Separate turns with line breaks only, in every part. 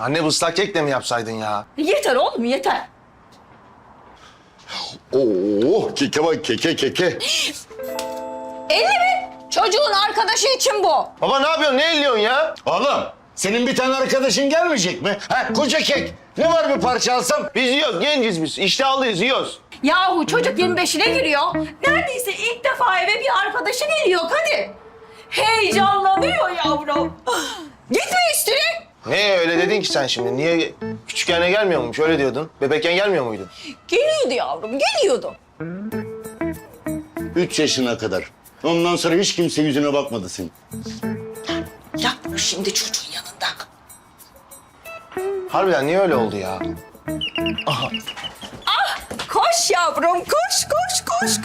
Anne bu ıslak kek de mi yapsaydın ya?
Yeter oğlum yeter.
Oo, keke bak keke.
50 mi? Çocuğun arkadaşı için bu.
Baba ne yapıyorsun? Ne elliyorsun ya?
Oğlum senin bir tane arkadaşın gelmeyecek mi? Ha koca kek. Ne var bir parça alsam?
Biz yiyoruz, genciz biz. İştahlıyız, yiyoruz.
Yahu çocuk 25'ine giriyor. Neredeyse ilk defa eve bir arkadaşı geliyor Kadir. Heyecanlanıyor yavrum. Gitme üstüne.
Ne öyle dedin ki sen şimdi? Niye küçükken gelmiyor muymuş? Öyle diyordun. Bebekken gelmiyor muydun?
Geliyordu yavrum, geliyordu.
3 yaşına kadar. Ondan sonra hiç kimse yüzüne bakmadı senin.
Yapma şimdi çocuğun yanında.
Harbiden niye öyle oldu ya?
Koş yavrum, koş.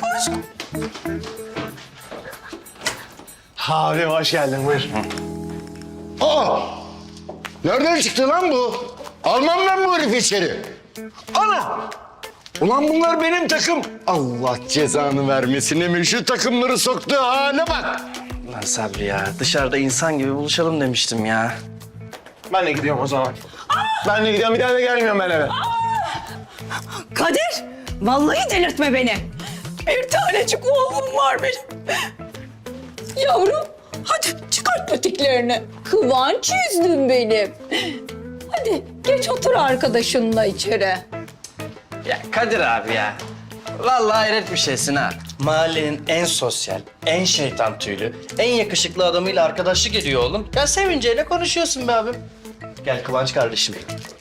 Abi hoş geldin, buyur.
Aa! Nereden çıktı lan bu? Almam ben bu herifi içeri. Ana! Ulan bunlar benim takım. Allah cezanı vermesin Emir. Şu takımları soktuğu hale bak.
Lan Sabri ya, dışarıda insan gibi buluşalım demiştim ya.
Ben de gidiyorum o zaman. Ben de gidiyorum, bir daha da gelmiyorum ben eve.
Kadir, vallahi delirtme beni. Bir tanecik oğlum var benim. Yavrum, hadi çıkart patiklerini. Kıvanç yüzdün benim. Hadi geç otur arkadaşınla içeri.
Ya Kadir abi ya, vallahi hayret bir şeysin ha. Mahallenin en sosyal, en şeytan tüylü, en yakışıklı adamıyla arkadaşlık ediyor oğlum. Ya sevinceyle konuşuyorsun be abim. Gel Kıvanç kardeşim.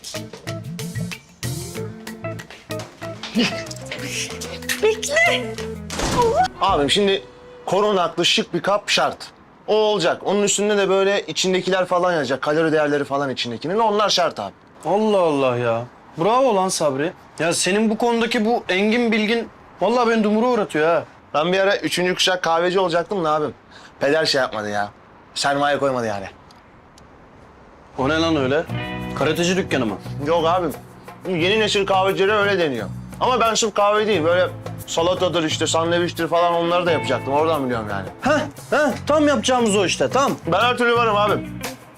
Bekle.
Abim şimdi korunaklı şık bir kap şart. O olacak. Onun üstünde de böyle içindekiler falan yazacak. Kalori değerleri falan içindekinin. Onlar şart abi.
Allah Allah ya. Bravo lan Sabri. Ya senin bu konudaki bu engin bilgin vallahi beni dumura uğratıyor ha.
Ben bir ara 3. kuşak kahveci olacaktım da abim. Peder şey yapmadı ya. Sermaye koymadı yani.
O ne lan öyle? Karateci dükkanı mı?
Yok abim. Yeni nesil kahvecilere öyle deniyor. Ama ben sırf kahve değil, böyle salatadır işte, sandviçtir falan onları da yapacaktım. Oradan biliyorum yani.
Heh, tam yapacağımız o işte, tam.
Ben her türlü varım abim.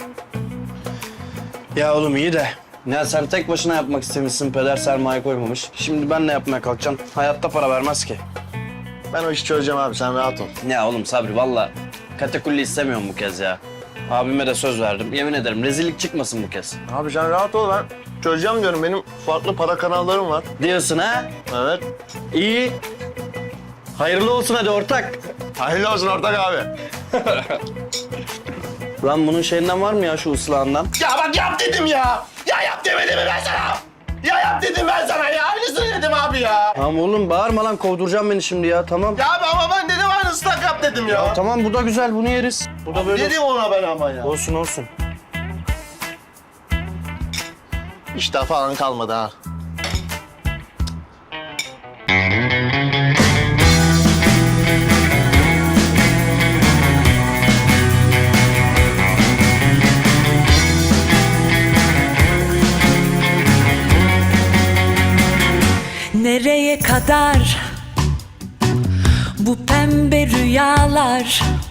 Ya oğlum iyi de. Ya sen tek başına yapmak istemişsin, peder sermaye koymamış. Şimdi ben ne yapmaya kalkacağım? Hayatta para vermez ki.
Ben o işi çözeceğim abi, sen rahat ol.
Ya oğlum Sabri vallahi katakulli istemiyorum bu kez ya. Abime de söz verdim. Yemin ederim rezillik çıkmasın bu kez.
Abi sen rahat ol, ben çözeceğim diyorum. Benim farklı para kanallarım var.
Diyorsun ha?
Evet.
İyi. Hayırlı olsun hadi ortak.
Hayırlı olsun ortak abi.
Lan bunun şeyinden var mı ya şu ıslahından?
Ya bak yap dedim ya. Ya yap demedim mi ben sana? Ya yap dedim ben sana ya. Aynısını dedim abi ya.
Tamam oğlum bağırma lan kovduracağım beni şimdi ya tamam.
Ya abi ama ben dedim aynı ıslak yap dedim ya.
Tamam bu da güzel bunu yeriz. Bu da böyle
Dedim ona ben ama ya.
olsun. Olsun.
İştah falan kalmadı ha.
Nereye kadar bu pembe rüyalar?